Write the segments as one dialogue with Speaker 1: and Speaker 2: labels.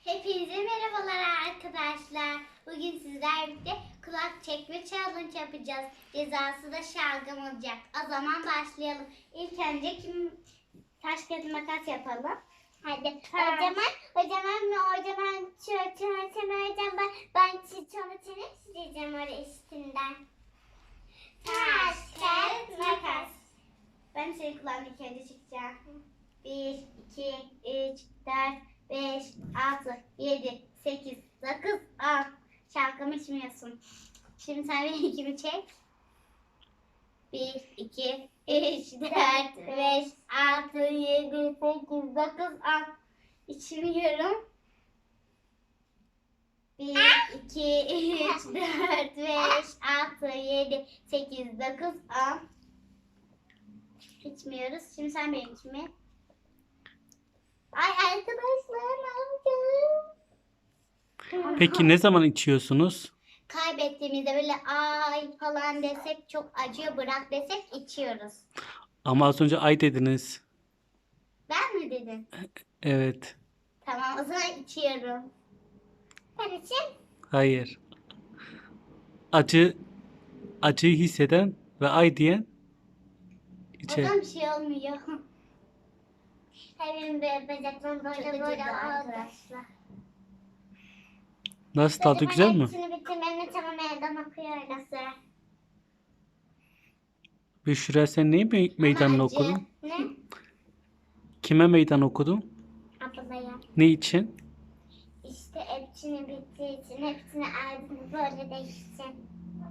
Speaker 1: Hepinize merhabalar arkadaşlar. Bugün sizlerle birlikte kulak çekme challenge yapacağız. Cezası da şalgam olacak. O zaman başlayalım. İlk önce taş kağıt makas yapalım. Hadi. Hocam ben sonra seni sileceğim oraya üstünden. Taş kağıt makas. Ben senin kulağını ilk önce çekeceğim. 1, 2, 3, 4, 5, 6, 7, 8, 9, 10. Şalgamı içmiyorsun. Şimdi sen benimkini çek. 1, 2, 3, 4, 5, 6, 7, 8, 9, 10. İçmiyorum. 1, 2, 3, 4, 5, 6, 7, 8, 9, 10. İçmiyoruz. Şimdi sen benimkini. Ay arkadaşlar ne yapacağım?
Speaker 2: Peki ne zaman içiyorsunuz?
Speaker 1: Kaybettiğimizde böyle ay falan desek çok acıyor bırak desek içiyoruz.
Speaker 2: Ama az önce ay dediniz.
Speaker 1: Ben mi dedim?
Speaker 2: Evet.
Speaker 1: Tamam o zaman içiyorum. Ben için.
Speaker 2: Hayır. Acıyı hisseden ve ay diyen
Speaker 1: O
Speaker 2: içer.
Speaker 1: zaman bir şey olmuyor. Benim bacaklarım böyle arkadaşlar.
Speaker 2: Nasıl, tadı güzel mi?
Speaker 1: Hepsini bitirmemi tamam evden okuyoruz.
Speaker 2: Büşra, sen neyi meydanını
Speaker 1: Acı.
Speaker 2: okudun?
Speaker 1: Ne?
Speaker 2: Kime meydan okudun?
Speaker 1: Ablaya.
Speaker 2: Ne için?
Speaker 1: İşte hepsini bittiği için hepsini ardını böyle değişsin.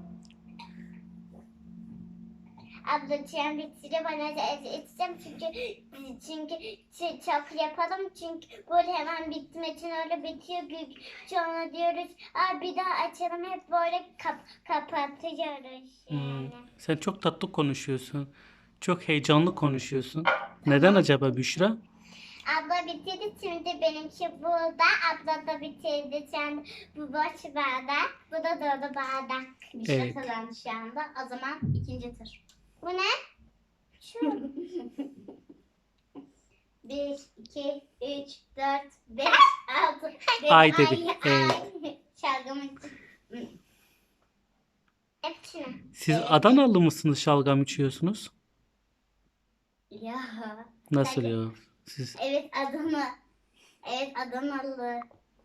Speaker 1: Abla tren bitire bana edeceğim çünkü çok yapalım çünkü böyle hemen bitmek için öyle bitiyor sonra diyoruz bir daha açalım hep böyle kapatıyoruz yani.
Speaker 2: Sen çok tatlı konuşuyorsun. Çok heyecanlı konuşuyorsun. Neden acaba Büşra?
Speaker 1: Abla bitirdi şimdi benimki burada. Abla da bitirdi şimdi bu boş bardak. Bu da dolu bardak. Bir şey
Speaker 2: Evet.
Speaker 1: kazandı şu anda. O zaman ikinci tur. Bu ne? Şu. 1, 2, 3, 4, 5, 6.
Speaker 2: Ay dedi. Evet.
Speaker 1: Şalgamı. Hepsini.
Speaker 2: Siz
Speaker 1: Evet.
Speaker 2: Adanalı mısınız, şalgam içiyorsunuz?
Speaker 1: Ya.
Speaker 2: Nasıl ya? Siz
Speaker 1: Evet Adana. Evet Adanalı.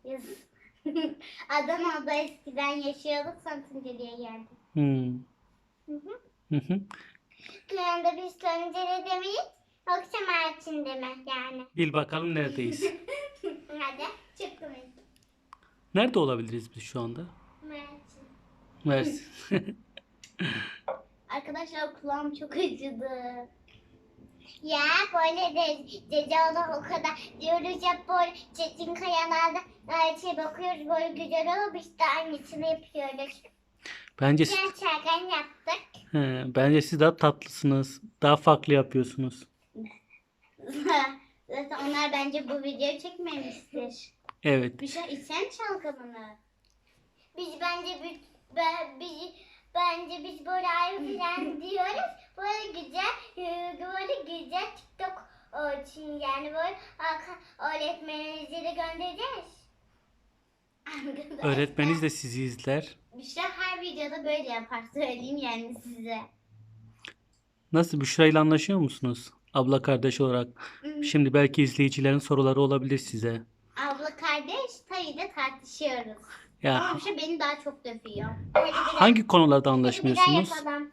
Speaker 1: Adana'da eskiden yaşıyorduk Santınceli'ye geldik. Hı hı.
Speaker 2: Hı hı.
Speaker 1: Kıyanda biz Santınceli demeyiz. Akşam ağaçın deme yani.
Speaker 2: Bil bakalım neredeyiz?
Speaker 1: Hadi çıktım.
Speaker 2: Nerede olabiliriz biz şu anda?
Speaker 1: Mersin.
Speaker 2: Mersin.
Speaker 1: Arkadaşlar kulağım çok acıdı. Ya böyle de Cecaoğlu o kadar diyoruz ya böyle Çetin Kayalar'da bakıyoruz böyle güzel olmuş da aynısını yapıyoruz.
Speaker 2: Bence
Speaker 1: Çarkan yaptık.
Speaker 2: bence siz daha tatlısınız. Daha farklı yapıyorsunuz.
Speaker 1: Zaten onlar bence bu videoyu çekmemiştir.
Speaker 2: Evet.
Speaker 1: Bir şey içsen şalgamını. Biz bence biz böyle ayrı falan diyoruz. Böyle güzel TikTok için yani böyle öğretmeninizi de göndereceğiz.
Speaker 2: Öğretmeniniz de sizi izler.
Speaker 1: Büşra her videoda böyle yapar söyleyeyim yani size.
Speaker 2: Nasıl, Büşra ile anlaşıyor musunuz? Abla kardeş olarak. Şimdi belki izleyicilerin soruları olabilir size.
Speaker 1: Abla kardeş tabii de tartışıyoruz.
Speaker 2: Ya
Speaker 1: Ama Büşra beni daha çok dövüyor.
Speaker 2: hangi konularda
Speaker 1: Hadi bir daha
Speaker 2: anlaşmıyorsunuz?
Speaker 1: yapalım.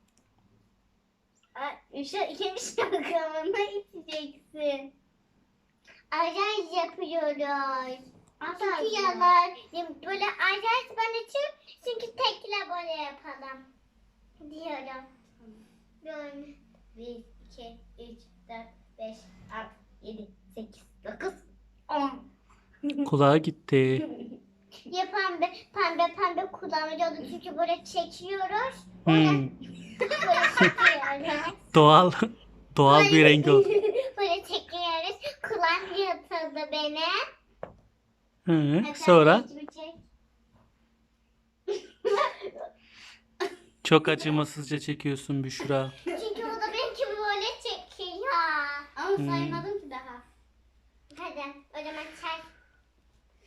Speaker 1: Büşra ikinci şalgamını içeceksin. Acayip yapıyoruz. Çünkü yalan. Böyle acayip ben için çünkü tekle böyle yapalım. Diyorum. Böyle. 1, 2, 3, 4, 5, 6, 7, 8, 9, 10.
Speaker 2: Kulağa gitti.
Speaker 1: Ya pembe kullanıyordu çünkü böyle çekiyoruz.
Speaker 2: Hmm,
Speaker 1: Böyle çekiyoruz.
Speaker 2: doğal bir rengi oldu.
Speaker 1: Böyle çekiyoruz. Kulağım yatıldı benim.
Speaker 2: Hı,
Speaker 1: Hadi
Speaker 2: sonra
Speaker 1: içimi çek.
Speaker 2: çok acımasızca çekiyorsun Büşra.
Speaker 1: Çünkü o da benimki böyle çekiyor. Ama saymadım ki daha. Hadi o zaman çay.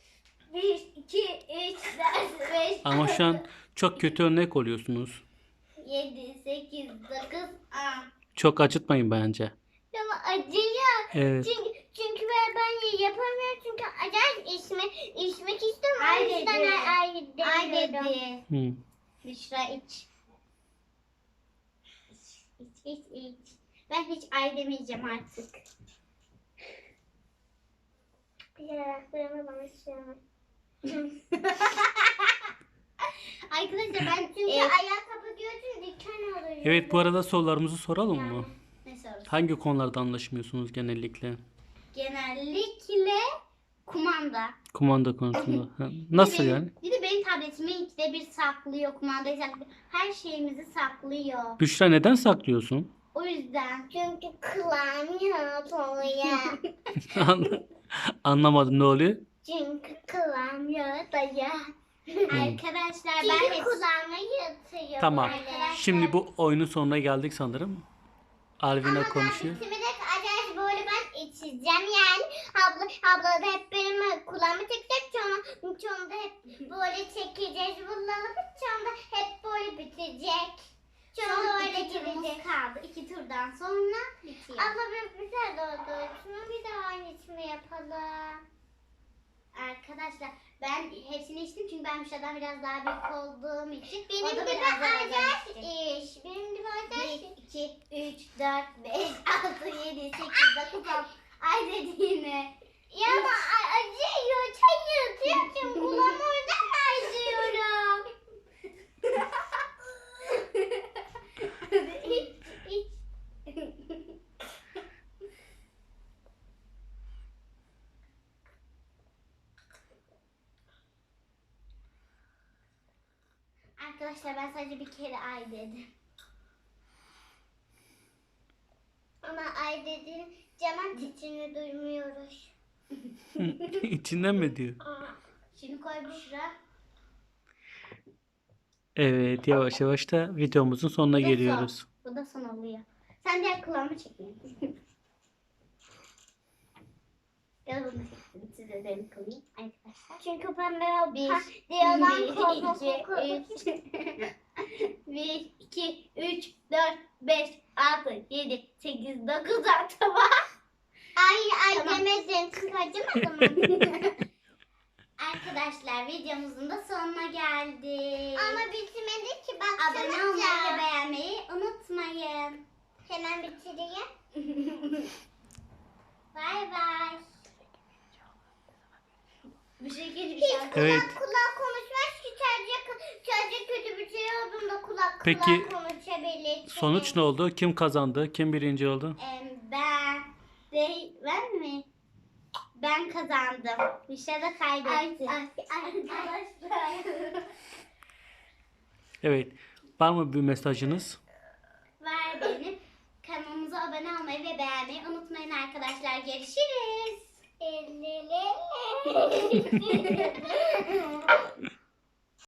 Speaker 1: 1, 2, 3, 4, 5,
Speaker 2: Ama şu an çok kötü örnek oluyorsunuz.
Speaker 1: 7, 8, 9, 10.
Speaker 2: Çok acıtmayın bence.
Speaker 1: Ama acıyor.
Speaker 2: Evet.
Speaker 1: Çünkü ben yapamıyorum çünkü acayip içmek istiyorum.
Speaker 3: Ay
Speaker 1: O yüzden
Speaker 3: dedi.
Speaker 1: ay
Speaker 3: Ay
Speaker 1: demiyorum.
Speaker 3: dedi.
Speaker 2: Hı.
Speaker 3: Büşra iç. İç. Ben hiç ay demeyeceğim artık.
Speaker 1: Yanaklarımı bana sürme.
Speaker 3: Arkadaşlar ben
Speaker 1: Çünkü ayağı kapatıyorsun diken oluyor.
Speaker 2: Evet, bu arada sorularımızı soralım mı?
Speaker 3: ne sorusu?
Speaker 2: Hangi konularda anlaşmıyorsunuz genellikle?
Speaker 3: Genellikle kumanda.
Speaker 2: Kumanda konusunda. Ha, nasıl yani?
Speaker 3: Bir de benim tabletimi ikide bir saklıyor. Kumandayı saklıyor. Her şeyimizi saklıyor.
Speaker 2: Büşra, neden saklıyorsun?
Speaker 3: O yüzden.
Speaker 1: Çünkü kılamıyor oluyor.
Speaker 2: Anlamadım, ne oluyor?
Speaker 1: Çünkü kılamıyor dayı.
Speaker 3: Arkadaşlar ben
Speaker 1: Çünkü
Speaker 3: hep
Speaker 1: kulağıma yatıyor.
Speaker 2: Tamam.
Speaker 1: böyle.
Speaker 2: Şimdi bu oyunun sonuna geldik sanırım. Alvina konuşuyor.
Speaker 1: Ama ben acayip böyle ben içeceğim yani. Abla da hep benim kulağımı çekecek. Sonra da hep böyle çekeceğiz. Bunları sonra hep böyle bitecek. Sonra
Speaker 3: son
Speaker 1: öyle
Speaker 3: iki turumuz
Speaker 1: girecek.
Speaker 3: kaldı. 2 turdan sonra bitiyor.
Speaker 1: Abla bir güzel oldu. Şunu bir daha aynısını yapalım.
Speaker 3: Arkadaşlar ben hepsini içtim çünkü ben Müşra'dan biraz daha büyük olduğum için.
Speaker 1: Benim
Speaker 3: o da
Speaker 1: gibi
Speaker 3: biraz daha
Speaker 1: acayip
Speaker 3: içti.
Speaker 1: iş. Benim gibi acayip
Speaker 3: 1, 2, 3, 4, 5, 6, 7, 8, 9, 10. Ay dediğine.
Speaker 1: Ya ama acıyor. Çay yatıyor. Kulağım oradan acıyorum.
Speaker 3: İç, iç. Arkadaşlar ben sadece bir kere ay dedim.
Speaker 1: Ama ay dedi camın sesini duymuyoruz.
Speaker 2: İçinden mi diyor?
Speaker 3: Şimdi koy Büşra.
Speaker 2: Evet, yavaş yavaş da videomuzun sonuna
Speaker 3: Bu da
Speaker 2: geliyoruz.
Speaker 3: son. Bu da son oluyor. Sen diğer kulağımı çekmeyin. Ya bunu çektim. Size de kılayım arkadaşlar.
Speaker 1: Çünkü pembe o
Speaker 3: Bir,
Speaker 1: diyorlar
Speaker 3: iki, 1, 2, 3, 4, 5, 6, 7, 8, 9, 10 tamam.
Speaker 1: Ay
Speaker 3: Tamam.
Speaker 1: demedin. Kız acımadı mı?
Speaker 3: Arkadaşlar videomuzun da sonuna geldik.
Speaker 1: Ama bitmedi ki bak.
Speaker 3: Abone olmayı ve beğenmeyi unutmayın.
Speaker 1: Hemen bitireyim.
Speaker 3: Bay bay. Bir şey gelmiş.
Speaker 2: Evet.
Speaker 1: Kulak konuşmaz ki sadece kötü bir şey olduğunda kulak
Speaker 2: Peki,
Speaker 1: konuşabilir.
Speaker 2: Sonuç ne oldu? Kim kazandı? Kim birinci oldu?
Speaker 3: Ben mi? Ben kazandım. Bir şey de kaybetti.
Speaker 1: Arkadaşlar.
Speaker 2: Evet. Var mı bir mesajınız?
Speaker 3: Var benim. Kanalımıza abone olmayı ve beğenmeyi unutmayın arkadaşlar. Görüşürüz.
Speaker 1: Elleri.